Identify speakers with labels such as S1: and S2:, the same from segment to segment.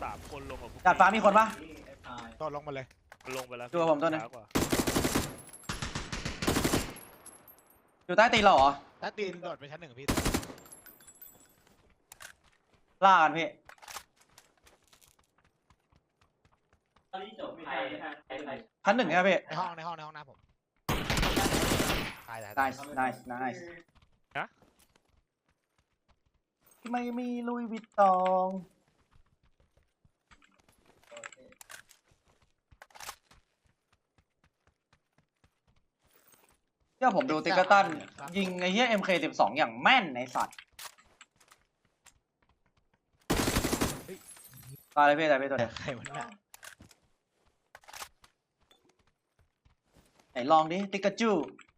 S1: 3 คนลงกับพวก
S2: ดาดฟ้ามีคนปะ
S3: ต่อลงมาเลย
S1: ลงไปแล้ว
S2: ดูกับผมตัวหนึ่ง
S1: ช้ากว่า
S2: อยู่ใต้ตีนเราเหรอ
S3: ถ้าตีนโดดไปชั้น 1พี่
S2: ล่ากันพี่ชั้น 1ใช่ไหมพี่
S3: ในห้องหน้าผมตาย
S2: nice ไม่มีลุยวิตตองเดี๋ยวผมดูติกเกอร์ตันยิงไอ้เหี้ย MK12 อย่างแม่นในสัตว์ตายเลยพี่ตายพี่ตัวเดียว
S3: ใครมันน่ะ
S2: ไหนลองดิติกาจู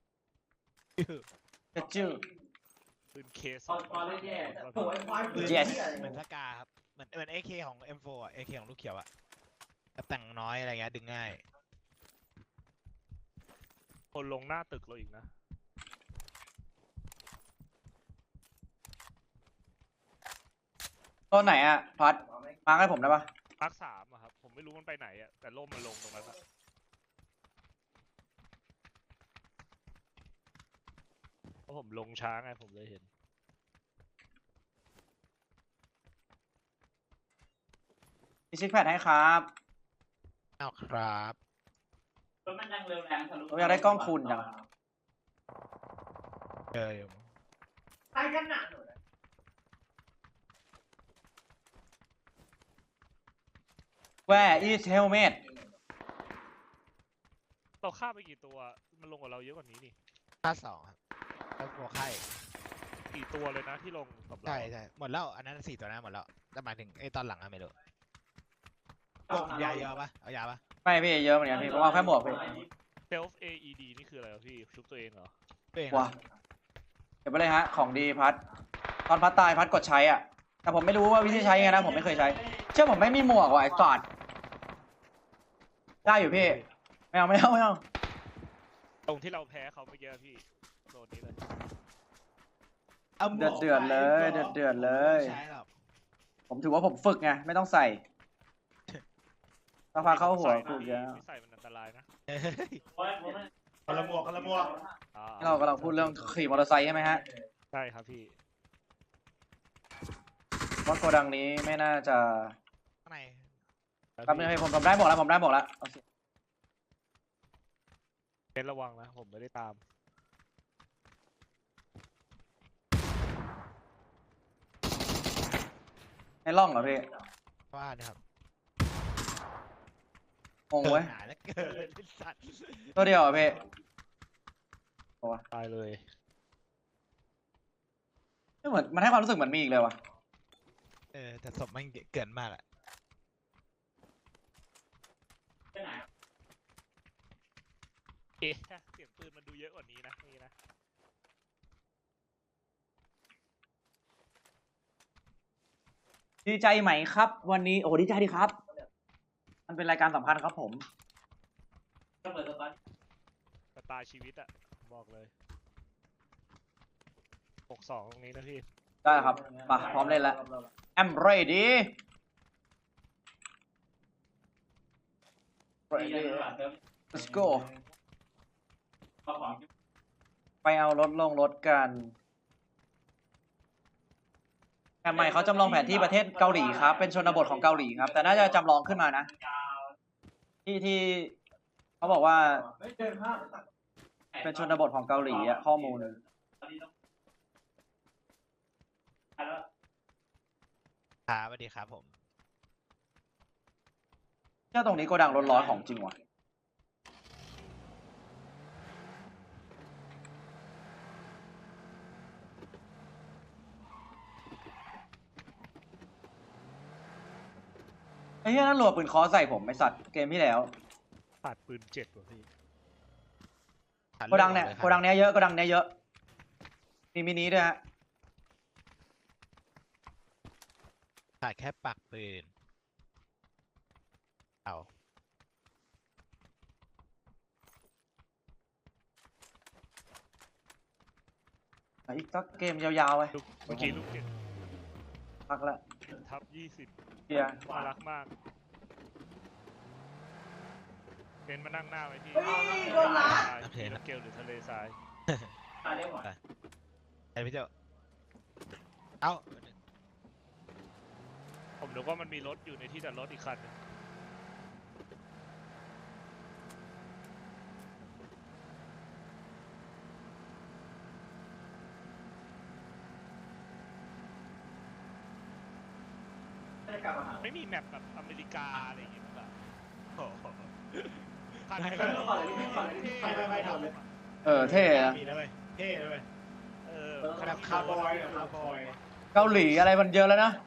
S2: ติกาจู
S1: ปืนเคสอง
S2: yes
S3: เหมือนสกาครับเหมือน AK ของ M4 อ่ะ AK ของลูกเขียวอ่ะแต่งน้อยอะไรเงี้ยดึงง่าย
S1: คนลงหน้าตึกเราอีกนะ
S2: ตัวไหนอ่ะพัดมาให้ผมได้ปะ
S1: มาร์ค 3อะครับผมไม่รู้มันไปไหนอะแต่ล่มมันลงตรงนั้นอะเพราะผมลงช้าไงผมเลยเห็น
S2: มีซิกแพดให้ครับ
S3: เอาครับ
S2: ผมอยากได้กล้องคูณจัง
S3: เจออยู่
S2: Where is helmet
S1: เราฆ่าไปกี่ตัวมันลงกับเราเยอะกว่านี้นี่
S3: 52ครับแล้วหัวไข่
S1: กี่ตัวเลยนะที่ลงกับเรา
S3: ใช่หมดแล้วอันนั้น4 ตัวนั้นหมดแล้วแต่หมายถึงไอ้ตอนหลังอะไม่รู้ยาเยอะปะเอายาปะ
S2: ไม่พี่เยอะเหมือนกันพี่ผมเอาแค่หมวกพี่
S1: เซลฟ์ AED นี่คืออะไรวะพี่ชุบตัวเองเหรอ
S3: ตัวเอง
S2: ว้าเก็บไปเลยฮะของดีพัดตอนพัดตายพัดกดใช้อ่ะแต่ผมไม่รู้ว่าวิธีใช้ยังไงนะผมไม่เคยใช้เชื่อผมไม่มีหมวกว่ะไอ้สัตว์ได้อยู่พี่ไม่เอา
S1: ตรงที่เราแพ้เขาเมื่อกี้พี่โซนนี้เลย
S2: เดือดเลยเดือดเลย
S3: ใช่หรอก
S2: ผมถือว่าผมฝึกไงไม่ต้องใส่ถ้าพาเข้าหัวฝึกเยอะ
S1: ไม่ใส่มันอันตรายนะ
S3: เฮ้ยคนละหมวก
S1: อ่า
S2: เรากำลังพูดเรื่องขี่มอเตอร์ไซค์ใช่ไหมฮะ
S1: ใช่ครับพี่
S2: ว่าโกดังนี้ไม่น่าจะ
S3: ข้างใน
S2: แป๊บนึงให้ผมได้บอกแล้วโอเค
S1: เป็นระวังนะผมไม่ได้ตาม
S2: ในร่องเหรอพี่
S3: ว่าเนี่ยครับ
S2: งงเว้ย
S3: หนาแล้วเกินไอ้สัตว์
S2: ตัวเดียวเหรอพี่
S1: ตายเลย
S2: ไม่เหมือนมันให้ความรู้สึกเหมือนมีอีกเลยวะ
S3: แต่ศพมันเกินมากอะ
S1: เอ๊ะเสียงปืนมันดูเยอะกว่านี้นะนี่นะ
S2: ดีใจไหมครับ วันนี้โอ้ดีใจดีครับ มันเป็นรายการสำคัญครับผม
S1: สไตล์ชีวิตอะบอกเลย62ตรงนี้นะพี่
S2: ได้ครับมาพร้อมเล่นแล้ว I'm ready let's go ไปเอารถลงรถกันทำไมเขาจำลองแผนที่ประเทศเกาหลีครับ เป็นชนบทของเกาหลีครับ แต่น่าจะจำลองขึ้นมานะ ที่เขาบอกว่าเป็นชนบทของเกาหลีอะข้อมูล
S3: ครับสวัสดีครับผม
S2: เจ้าตรงนี้โกดังรถร้อยของจริงว่ะไอ้เหี้ยนั่นรัวปืนคอใส่ผมไอสัตว์เกมที่แล้ว
S1: ขาดปืน7ว่ะพี่
S2: โกดังเนี้ยเยอะโกดังเนี้ยเยอะมีมินิด้วยฮะ
S3: ขาดแค่ปักปืนเอา
S2: อีกสักเกมยาวๆไป
S1: เมื่อกี้ลูก7
S2: พักแล้ว
S1: ทับ 20
S2: เฮีย
S1: น่ารักมากเป็นมานั่งหน้าไว้ที่
S4: โดนละ
S1: ที่น้ำเกลหรือทะเลทราย
S3: ไอ้พี่เจ้าเอ้า
S1: ผมนึกว่ามันมีรถอยู่ในที่จอดรถอีกคันหนึง ไม่มีแมปแบบอเมริกาอะไรอย่างเงี้ยมั้งแบบโอ้โหคัน
S3: ไม่
S1: เท่
S3: ไม่ทำเลย
S2: เท่นะ
S3: มีเลยเท่เลย
S1: เออ
S3: แบบคาร์บอยแบบคาร์บอย
S2: เกาหลีอะไรมันเยอะแล้วนะ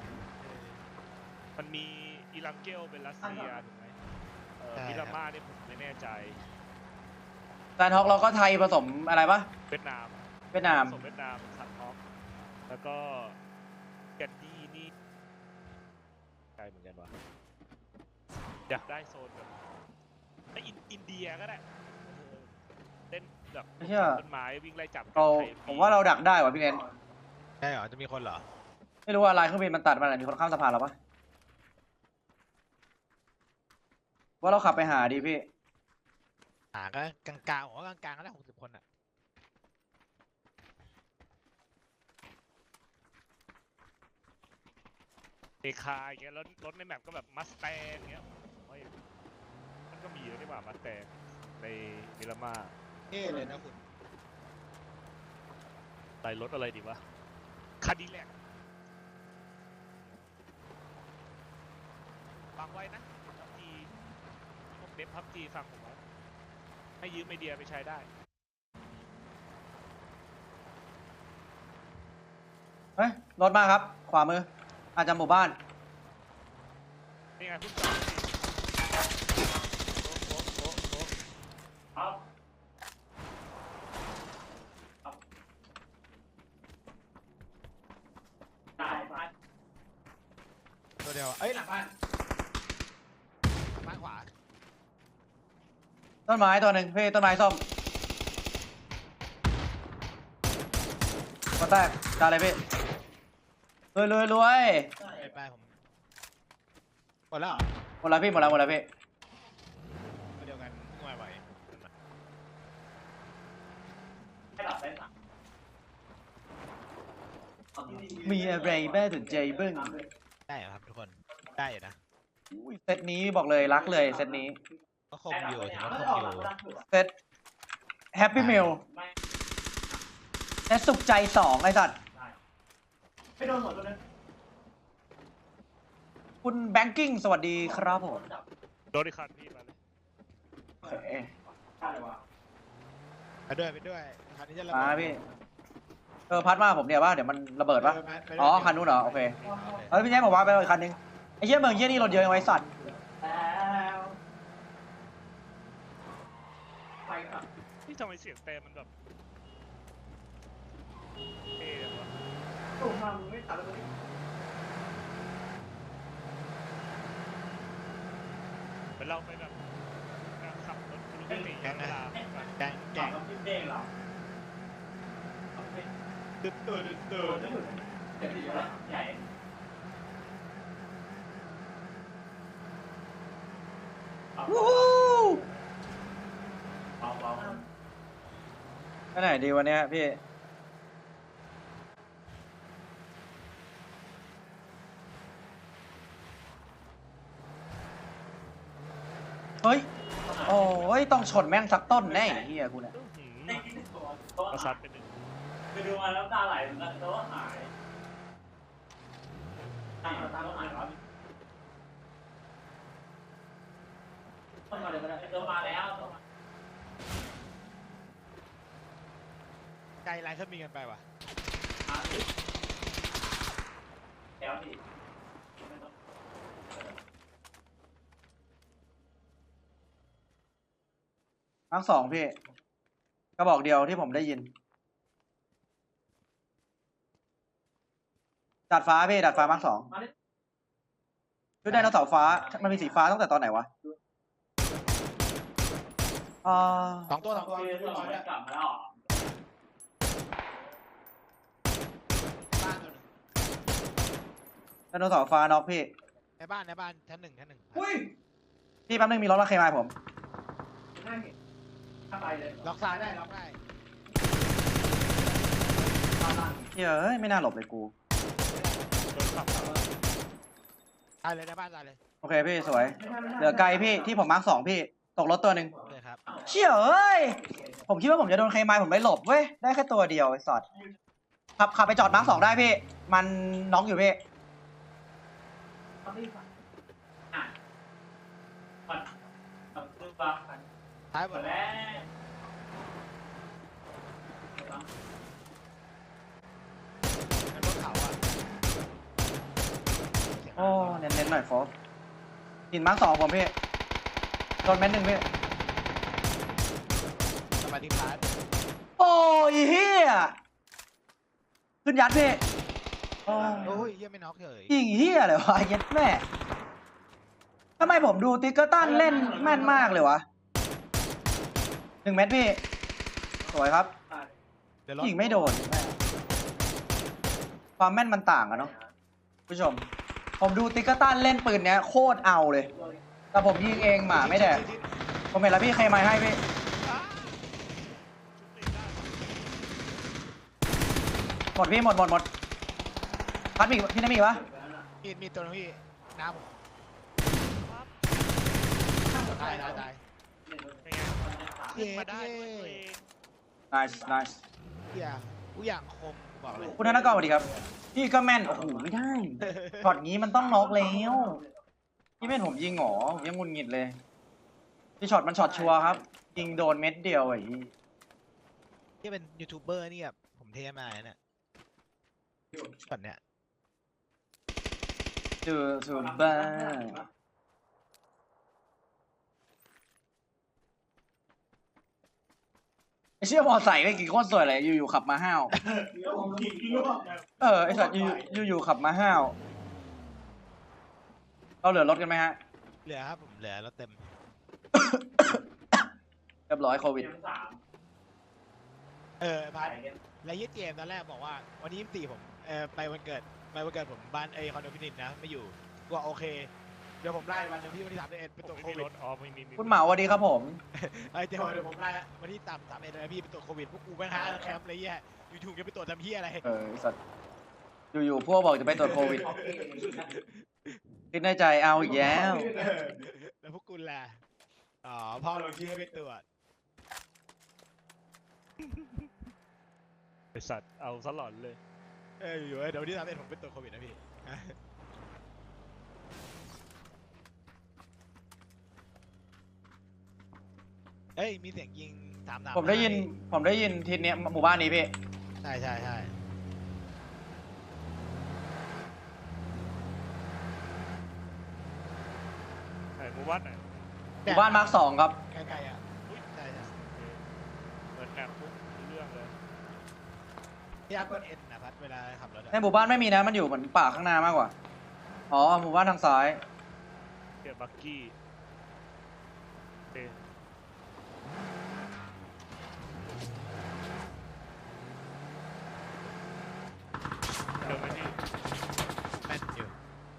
S1: มันมีอิรังเกลเป็นรัสเซียถูกไหมมิรามาเนี่ยผมไม่แน่ใจ
S2: แซนฮอกเราก็ไทยผสมอะไรปะ
S1: เวียดนาม
S2: เวียดนาม
S1: ผสมเวียดนามสันฮอกแล้วก็แกนดี้นี่ใช่เหมือนกันวะอยากได้โซนแบบไอ้อินเดียก็ได้เล่นแบบ
S2: ไม่เชื่อ
S1: ต้นไม้วิ่งไล่จับ
S2: เรา
S1: ไทย
S2: ผมว่าเราดักได้ว่ะพี่เน้น
S3: ใช่เหรอจะมีคนเหรอ
S2: ไม่รู้ว่าลายเครื่องบินมันตัดมาไหนมีคนข้ามสะพานเราปะว่าเราขับไปหาดีพี่
S3: ก็กลางๆผมว่ากลางๆก็ได้60 คนอ่ะ
S1: เอคาอย่างเงี้ยแล้วรถในแมปก็แบบมัสแตงเงี้ยโอ้ยมันก็มีแล้วนี่หว่ามัสแตงในมิรามา
S3: เท่เลยนะคุณ
S1: ใส่รถอะไรดีวะคาดิแลกฟังไว้นะพับจีพวกเดฟพับจีฟังผมไว้ให้ยืมไอเดียไปใช้ได้
S2: เฮ้ยรถมาครับ ขวามือ อาจจะหมู่บ้าน
S1: นี่ไงพุ่งจอดสิโอ้
S3: ตัวเดียวเอ้ยหลังบ้านบ้านขวา
S2: ต้นไม้ตัวหนึ่งพี่ต้นไม้ส้มก็แตกจานเลยพี่รวย
S3: ไปผมหมดแล้วเหรอ
S2: หมดแล้วพี่หมดแล้วพี่
S3: ตัวเดียวกันง่ายไหว
S2: มีอะไรแม่สนใจเบิ้ง
S3: ได้เหรอครับทุกคนได้อยู่นะ
S2: อุ้ยเซตนี้บอกเลยรักเลยเซตนี้
S3: ก็คมอยู่ถือว่าคมอยู่
S2: เซตแฮปปี้มิลเซตสุขใจ2ไอ้สัตว์
S4: ไม่โดนหัวตัวนึง
S2: คุณแบงกิ้งสวัสดีครับผม
S1: โดนอีกคันพี่มาเลย
S2: โอเค
S3: ไปด้วยคันนี้จะระ
S2: มา
S3: เบิด
S2: พี่พัดมาผมเนี่ยว่าเดี๋ยวมันระเบิดปะ
S3: ไปด้วย
S2: อ๋อคันนู้นเหรอโอเคเฮ้ยพี่แจ๊คบอกว่าไปเอาอีกคันนึงไอ้เหี้ยเมืองเหี้ยนี่รถเยอะยังไงสัตว์
S4: แล้วไปกับ
S1: นี่ทำไมเสียงเต็มมันแบบเท่จังวะ
S4: ตุ่มมามึงไม่ตัดแล้วมึง
S1: เหมือนเราไปแบบการขับรถทะลุมิติเวลาแบบ
S3: แกง
S4: กับพี่เด้งเหรอ
S3: ตื่น
S4: เดี๋ยวดีแล้วใหญ่
S2: วู้ฮู้
S4: เบา
S2: ไปไหนดีวันเนี้ยพี่เฮ้ยโอ้ยต้องชนแม่งสักต้นแน่ไอ้เฮียกูเนี่ย
S1: อื้อหือ
S4: ๆได้กินตัว
S1: ประสัดเป็นหนึ่ง
S4: ไปดูมาแล้วตาไหลเหมือนกันแต่ว่าหายตาหายวะต้องมาเดี๋ยวมาตัวมาแล้ว
S3: ไกลไลน์เครื่องบินกันไปว่ะ
S4: แล้วดิ
S2: ทั้งสองพี่กระบอกเดียวที่ผมได้ยินดัดฟ้าพี่ดัดฟ้ามาร์ค2ชุดไดโนเสาร์ฟ้ามันมีสีฟ้าตั้งแต่ตอนไหนวะอ่า
S3: สองตัวเรียบร้อยแล้ว
S4: กลับมาแล้ว
S3: บ้านตัวหนึง
S2: ไดโนเสาร์ฟ้าน็อกพี่
S3: ในบ้านชั้นหนึ่ง
S2: พี่แป๊บนึงมีรถมาเคมายผม
S4: ถ้าไปเลย
S3: ล็อกซ้ายได้ล็อกได้
S2: เฮ้ยไม่น่าหลบเลยกู
S1: โดนขับ
S3: ตายเลยในบ้านตายเลย
S2: โอเคพี่สวย เหลือไกลพี่ที่ผมมาร์ค2พี่ตกรถตัวหนึ่ง
S3: เลยครับ
S2: เชี่ยเอ้ยผมคิดว่าผมจะโดนเคมายผมไม่หลบเว้ยได้แค่ตัวเดียวไอ้สัตว์ขับไปจอดมาร์ค2ได้พี่ มันน็อกอยู่พี่
S4: คือบัง
S3: ท้ายหมดแล้ว
S4: แล้ว
S3: เป็นรถเขาอ่ะ
S2: โอ้เน้นๆหน่อยโฟสหินมาร์ค2ผมพี่โดนเม็ดหนึ่งพี่
S3: สมาธิพาร์ท
S2: โอ้ยเฮียขึ้นยัดพี่โอ้
S3: โอ้ยเยี่ยไม่น็อกเฉย
S2: ยิงเฮียเลยวะเย็ดแม่ทำไมผมดูติ๊กเกอร์ตันเล่นแม่นมากเลยวะ1 เม็ดพี่สวยครับ
S3: เดี๋ยวรถ
S2: ยิงไม่โดนแม่ความแม่นมันต่างกันเนาะผู้ชม ผมดูติ๊กเกอร์ตันเล่นปืนเนี้ยโคตรเอาเลย แต่ผมยิงเองหมาไม่แดกผมเห็นแล้วพี่ใครมาให้พี่หมดพี่หมดพัดมีพี่น้ำมีปะ
S3: มีตัวนึงพี่น้ำผมตาย
S1: เป็นไงขึ้นมาได้ด้วยตัวเอง
S2: nice
S3: เฮียกูอย่างคมบอกเลย
S2: คุณธนกรสวัสดีครับพี่ก็แม่นโอ้โหไม่ได้ช็อตงี้มันต้องน็อกแล้วพี่แม่นผมยิงหรอผมยังงุนงิดเลยพี่ช็อตมันช็อตชัวร์ครับยิงโดนเม็ดเดียวไอ้
S3: ที่เป็นยูทูบเบอร์นี่แบบผมเทมาเนี่ยช็อตเนี้ย
S2: จูบ้าไอเชี่ยมอไซค์ไม่กี่โคตรสวยเลยอยู่ๆขับมาห้าวไอสัตว์อยู่ๆขับมาห้าวเราเหลือรถกันไหมฮะ
S3: เหลือครับผมเหลือแล้วเต็ม
S2: เรียบร้อยโควิด
S3: พาร์ทแล้วยี่เจมตอนแรกบอกว่าวันนี้24ผมไปวันเกิดผมบ้านคอนโดพินิจนะไม่อยู่ก็โอเคเดี๋ยวผมไล่วันหนึงที่วันที่31เป็นตัว
S1: ไม่
S3: โค
S1: มี
S3: วิ
S1: ร
S3: ด
S1: ถอ๋อไม่มี
S2: คุณเหมาสวัสดีครับผม
S3: เดี๋ยวผมไล่วันที่31เลยนะพี่เป็นตัวโควิดพวกกูแม่งหาแคมป์อะไรเงี้ยอยู่ๆจะไปตรวจทำเหี้ยอะไร
S2: ไอสัตว์อยู่ๆพวกบอกจะไปตรวจโควิดคิดในใจเอาอีกแล้ว
S3: แล้วพวกกูแหละอ๋อพ่อลงชื่อให้ไปตรวจ
S1: บริษัทเอาซะหลอนเลย
S3: อยู่เดี๋ยววันที่31ผมไปตรวจโควิดนะพี่มีเสียงยิงตาม
S2: ผมได้ยินทีเนี้ยหมู่บ้านนี้พี่
S3: ใช่
S1: ไหนหมู่บ้านไหน
S2: หมู่บ้านมาร์ค2ครับ
S3: ใกล้ๆอ่ะใช่
S1: เหมือนแมปปุ๊บมีเรื่องเลย
S3: พี่อาร์กดเอ็นนะพัดเวลาขับรถ
S2: ในหมู่บ้านไม่มีนะมันอยู่เหมือนป่าข้างหน้ามากกว่าอ๋อหมู่บ้านทางซ้าย
S1: เกียร์บักกี้โอเคเร็วไหมพี่
S3: แม่นอยู่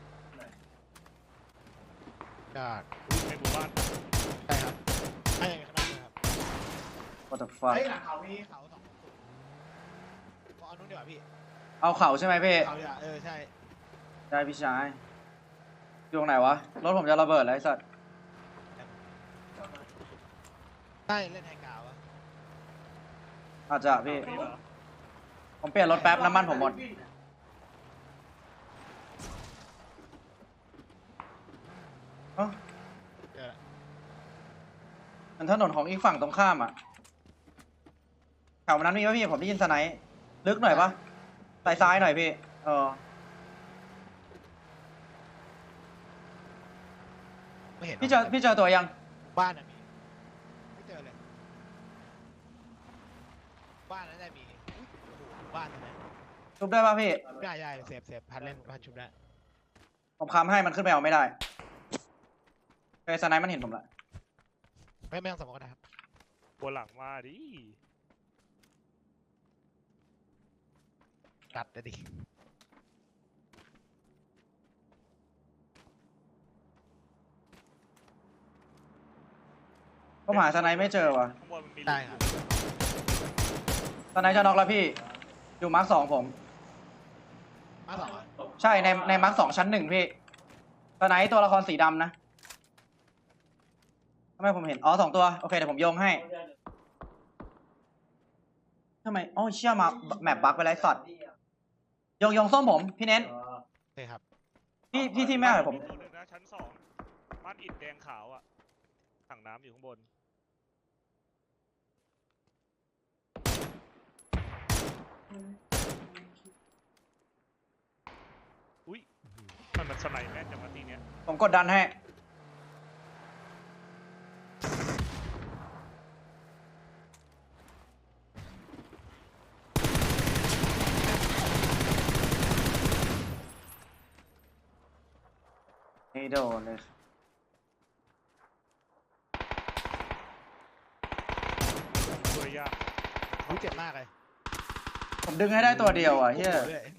S3: ก็
S1: ในหมู่บ้าน
S3: ใช่ครับใช่ข้างหน้าเลยครับ
S2: What the fuck
S3: หลังเขามีเขา2พอเอานู้นดีกว่าพี่
S2: เอาเข่าใช่ไหมพี่
S3: เขาดีกว่าใช่
S2: ได้พี่ชายอยู่ตรงไหนวะรถผมจะระเบิดแล้วไอ้สัตว์
S3: ใช่เล่นไฮกาวะ
S2: อาจจะพี่
S1: นี่เหรอ
S2: ผมเปลี่ยนรถแป๊บน้ำมันผมหมดเอ้า
S3: เจอละ
S2: มันถนนของอีกฝั่งตรงข้ามอ่ะแถวนั้นมีป่ะพี่ผมได้ยินสไนป์ลึกหน่อยปะซ้ายหน่อยพี่
S3: ไม่เห็น
S2: พี่เจอตัวยัง
S3: บ้านน่ะมีไม่เจอเลยบ้านนั้นได้มีอุ๊ยโอ้โหบ้านนั้นนะ
S2: ชุบได้ป่ะพี่
S3: ได้เซฟพัดเล่นพัดชุบได้
S2: ผมค้ำให้มันขึ้นไปเอาไม่ได้ไอ้สไนป์มันเห็นผมละ
S3: ไม่ต้องสมองก็ได้ครับ
S1: บัวหลังมาดิ
S3: ตัดเลยดิ
S2: ผมหาสไนไม่เจอว่ะ
S1: ข้างบนมันมี
S3: ได้ครับ
S2: สไนจะน็อกแล้วพี่อยู่มาร์ค 2ผม
S3: มาสองอ่ะ
S2: ใช่ในมาร์ค 2ชั้น 1พี่สไนตัวละครสีดำนะทำไมผมเห็นอ๋อ2ตัวโอเคเดี๋ยวผมโยงให้ทำไมอ๋อเชื่อมาแมปบั๊กไปแล้วสัตว์โยงส้มผมพี่เน้น
S3: โอเคครับ
S2: พี่ที่แม่หน่อยผม
S1: ตัวหนึงนะชั้น2บ้านอิฐแดงขาวอ่ะถังน้ำอยู่ข้างบนอุ้ยมันสไนแม่นจังวะทีเนี้ย
S2: ผมกดดันให้ไม่โดนเลย
S1: ตัวยาก
S3: อุ้ยเจ็บมากเลย
S2: ผมดึงให้ได้ตัวเดียวอ่ะเฮีย
S3: โอ้โหด้วย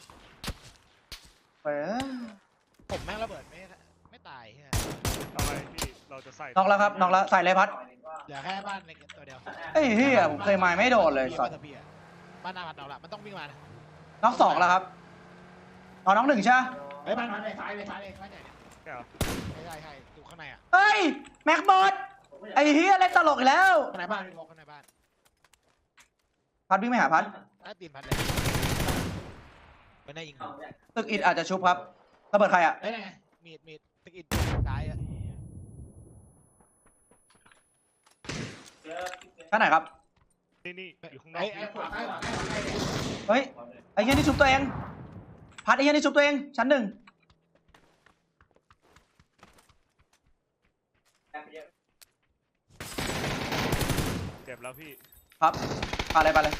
S2: ไปเอ้ย
S3: ผมแม่งระเบิดไม่ตายเฮีย
S1: ทำไมพี่เราจะใส่
S2: น็อกแล้วครับน็อกแล้วใส่เลยพัด
S3: เหลือแค่บ้านในตัวเดียว
S2: เอ้ยเฮียผมเคยมาไม่โดนเลยสัตว์
S3: บ้านหน้าบ้านเราละมันต้องวิ่งมานะ
S2: น็อก2แล้วครับอ๋อน็อก1ใช่ไหม
S3: เฮ้ยบ้านในซ้ายในซ้ายในบ้านใหญ่เนี่ย
S1: แค่เหรอ
S3: ใช่ใช่ดูข้างในอ่ะ
S2: เฮ้ยแม็กบอดไอ้เฮียเล่นตลกอีกแล้ว
S3: ข้างในบ้านพี่พกข้างในบ้าน
S2: พัดวิ่งไปหาพัด
S3: ใต้ตีนพันเลยไม่ได้ยิงผม
S2: ตึกอิดอาจจะชุบครับระเบิดใครอ่ะ
S3: เฮ้ยไงมีดตะกิดซ้ายอ่ะ
S2: ท่านไหนครับ
S1: นี่อยู่ข้างนอก
S3: ไอ้ขวาใกล้ขวาใกล้ขวาใกล้เนี่ย
S2: เฮ้ยไอ้เฮียนี่ชุบตัวเองพัดไอ้เฮียนี่ชุบตัวเองชั้น 1
S1: เจ็บแล้วพี่
S2: ครับไปเลย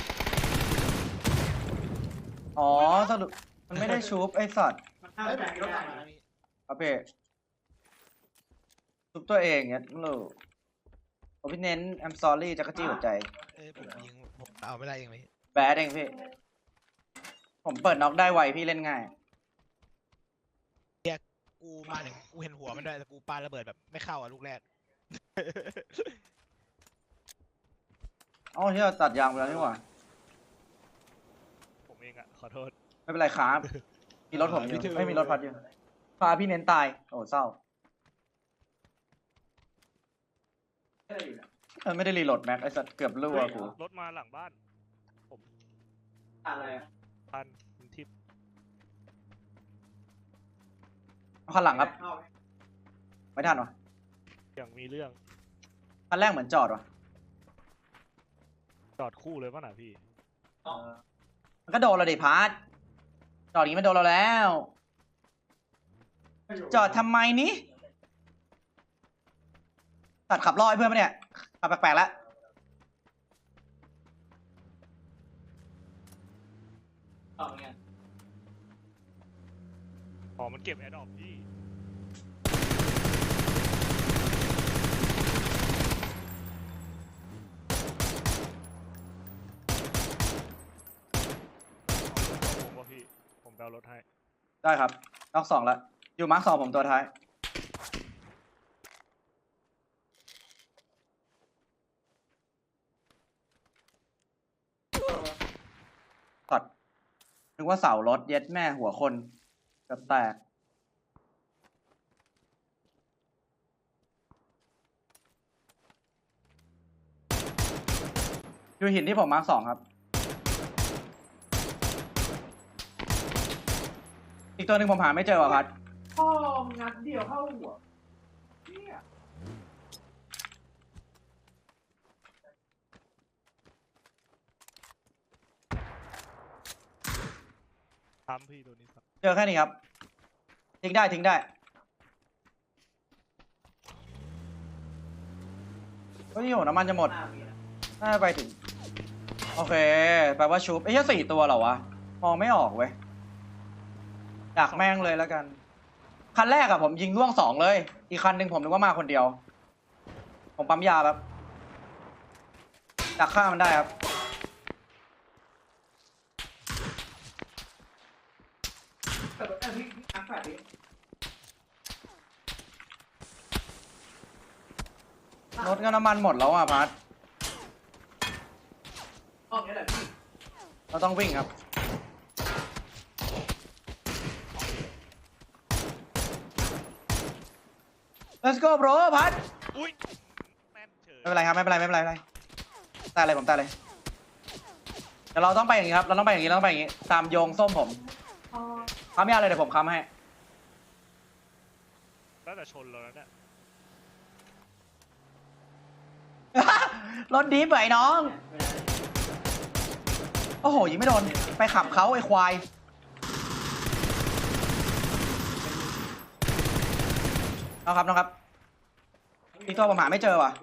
S2: อ๋อสรุปมันไม่ได้ชุบไอ้สัตว์
S3: เฮ้ยแบบรถถังมาพี่
S2: ครับพี่ชุบตัวเองเนี่ยลูกผมพี่เน้น I'm sorry จักรจี้หัวใจ
S3: ผมยิงผมเอาไม่ได้เองไหม
S2: แบดเองพี่ผมเปิดน็อกได้ไวพี่เล่นง่าย
S3: กูมาถึงกูเห็นหัวมันด้วยแต่กูปาระเบิดแบบไม่เข้าอ่ะลูกแรก
S2: อ๋อที่เราตัดยางไปแล้วนี่หว่า
S1: ผมเองอะขอโทษ
S2: ไม่เป็นไรครับมีรถผมอยู่ไม่มีรถพัดอยู่พาพี่เน้นตายโอ้เศร้าไม่ได้รีโหลดแม็กไอ้สัตว์เกือบรั่วกู
S1: รถมาหลังบ้าน ผม
S4: อะไรอ่ะ
S1: พันคุณทิพย์
S2: เอาคันหลังครับไม่ทันวะ
S1: อย่างมีเรื่อง
S2: คันแรกเหมือนจอดวะ
S1: จอดคู่เลยป่ะน่ะพี่
S2: มันก็โดนเราดิพาร์ทจอดอย่างนี้มันโดนเราแล้ว จอดทำไมนี้ตัดขับล่อให้เพื่อนปะเนี่ยขับแปลกๆแล้ว
S4: ต่อไง
S1: อ๋อมันเก็บแอดดอปพี่ผมว่าพี่ ผมไปเอารถให้
S2: ได้ครับน็อก2แล้วอยู่มาร์ค 2ผมตัวท้ายตัดนึกว่าเสารถเย็ดแม่หัวคนเกือบแตกอยู่หินที่ผมมาร์ค 2ครับอีกตัวหนึ่งผมหาไม่เจอว่ะพัด
S4: พ่อมึงงัดเดียวเข้าหัวเนี่ย
S1: ทำพี่ตัวนี้ครับ
S2: เจอแค่นี้ครับทิ้งได้เฮ้ยโหน้ำมันจะหมดน่าจะไปถึงโอเคแปลว่าชุบไอ้แค่4ตัวเหรอวะมองไม่ออกเว้ยอยากแม่งเลยแล้วกันคันแรกอะผมยิงล่วง2เลยอีกคันหนึ่งผมนึกว่ามาคนเดียวผมปั๊มยาแบบดักฆ่ามันได้ครับรถก็น้ำมันหมดแล้วอ่ะพัด
S4: ห้องนี้แหละพี่
S2: เราต้องวิ่งครับ let's go bro พัด
S1: อุ้ยแม่นเฉย
S2: ไม่เป็นไรครับไม่เป็นไรไม่เป็นไรไม่เป็นไรตายเลยผมตายเลยเดี๋ยวเราต้องไปอย่างนี้ครับเราต้องไปอย่างนี้เราต้องไปอย่างนี้ตามโยงส้มผมค้ำยาเลยเดี๋ยวผมค้ำให้
S1: ตั้งแต่ชนแล้วเนี่ย
S2: รถดีไปน้อง โอ้โหยิงไม่โดนไปขับเขาไอ้ควายน้องครับอีกตัวผมหาไม่เจอว่ะ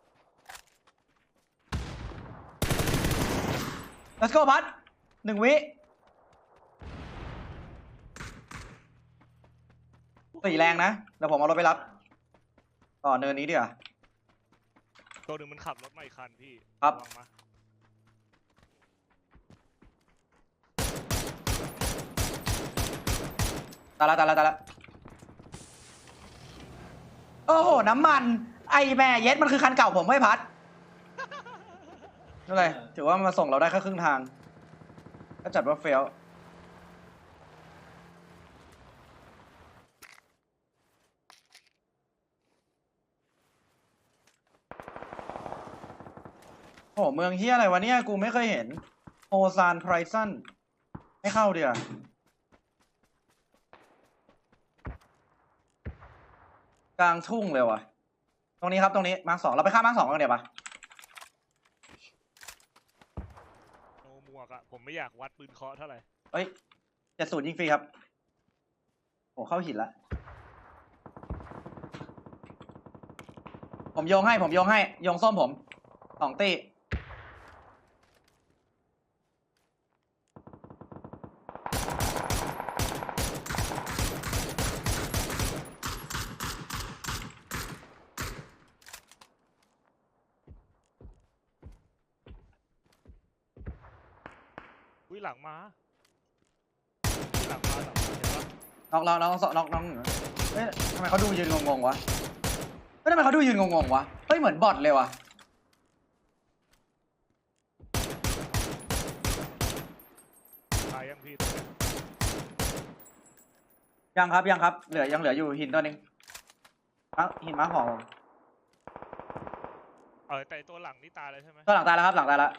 S2: let's go พัด1 วิ4แรงนะเดี๋ยวผมเอารถไปรับต่อเนินนี้ดีกว่า
S1: ตัวหนึ่งมันขับรถมาอีกคันพี่
S2: ครับ
S1: ระวังมา
S2: ตายละโอ้โหน้ำมันไอแม่เย็ดมันคือคันเก่าผมไม่พัดนั่นเลยถือว่ามันมาส่งเราได้แค่ครึ่งทางก็จัดว่าเฟลโอ้โหเมืองเฮียอะไรวะเนี่ยกูไม่เคยเห็นโฮซานไพรซันไม่เข้าเดียวกลางทุ่งเลยวะตรงนี้ครับตรงนี้มาร์ค 2เราไปฆ่ามาร์ค 2กันเดี๋ยวปะ
S1: โนหมวกอะผมไม่อยากวัดปืนเคาะเท่าไหร่
S2: เอ้ย70ยิงฟรีครับโอ้เข้าหินละผมโยงให้โยงส้มผม2 ตี
S1: อุ้ยหลังมาหลังมาเห็นปะ
S2: น้องเฮ้ยทำไมเขาดูยืนงงๆวะเฮ้ยทำไมเขาดูยืนงงๆวะเฮ้ยเหมือนบอทเลยวะ
S1: ตายยังพี่ตัวเนี้ย
S2: ยังครับเหลืออยู่หินตัวหนึงหินม้าของผม
S1: แต่ตัวหลังนี่ตายเลยใช่ไหม
S2: ตัวหลังตายแล้วครับหลังตายแล้ว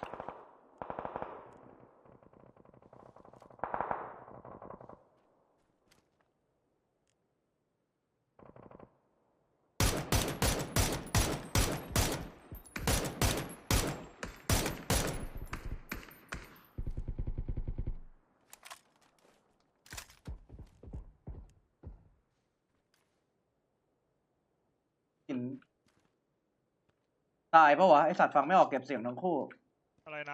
S2: หินตายปะวะไอสัตว์ฟังไม่ออกเก็บเสียงทั้งคู่
S1: อะไรนะ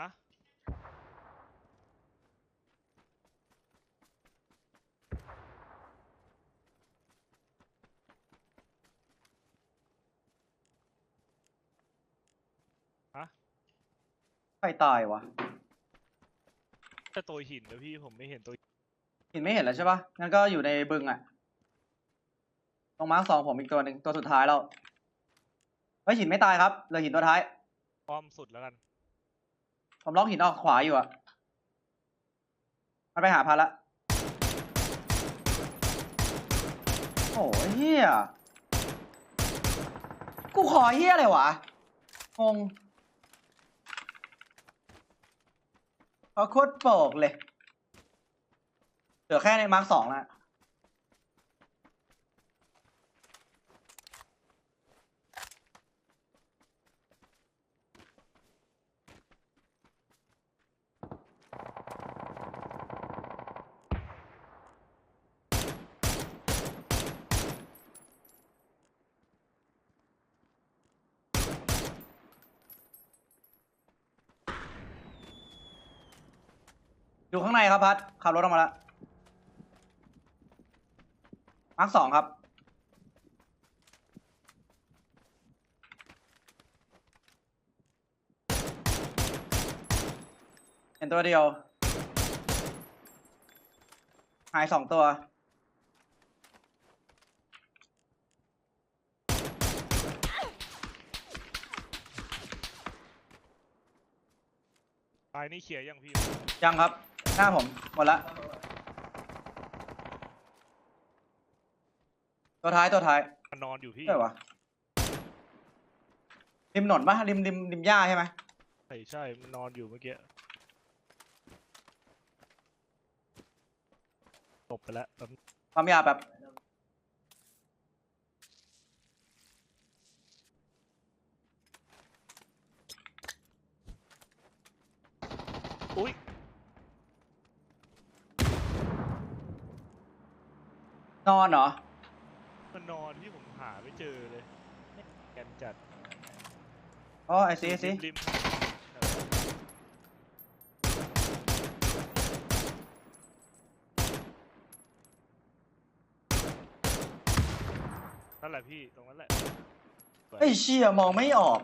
S2: ใครตายวะ
S1: แต่ตัวหินนะพี่ผมไม่เห็นตัว
S2: หินไม่เห็นแล้วใช่ปะงั้นก็อยู่ในบึงอะตรงมาร์ค 2ผมอีกตัวหนึ่งตัวสุดท้ายแล้วเฮ้ยหินไม่ตายครับเหลือหินตัวท้าย
S1: ป้อมสุดแล้วกัน
S2: ผมล็อกหินออกขวาอยู่อะมันไปหาพันละโอ้ยเฮียกูขอเฮียอะไรวะงงเขาโคตรโปกเลยเหลือแค่ในมาร์ค 2แล้วอยู่ข้างในครับพัดขับรถออกมาแล้วมาร์ค 2ครับเห็นตัวเดียวหาย2 ตัว
S1: ตายนี่เคลียร์ยังพี่
S2: ยังครับ หน้าผมหมดละตัวท้ายตัวท้าย
S1: มันนอนอยู่พี่
S2: ใช่วะริมถนนปะริมหญ้าใช่ไหม
S1: ใช่มันนอนอยู่เมื่อกี้ตบไปแล้วแป๊บ
S2: ปั๊มยาแบบ
S1: อุ้ย
S2: นอนเหรอ
S1: มันนอนที่ผมหาไม่เจอเลยแกนจัด
S2: อ๋อไอซี
S1: ริมนั่นแหละพี่ตรงนั้นแหละ
S2: ไอเชี่ยมองไม่ออก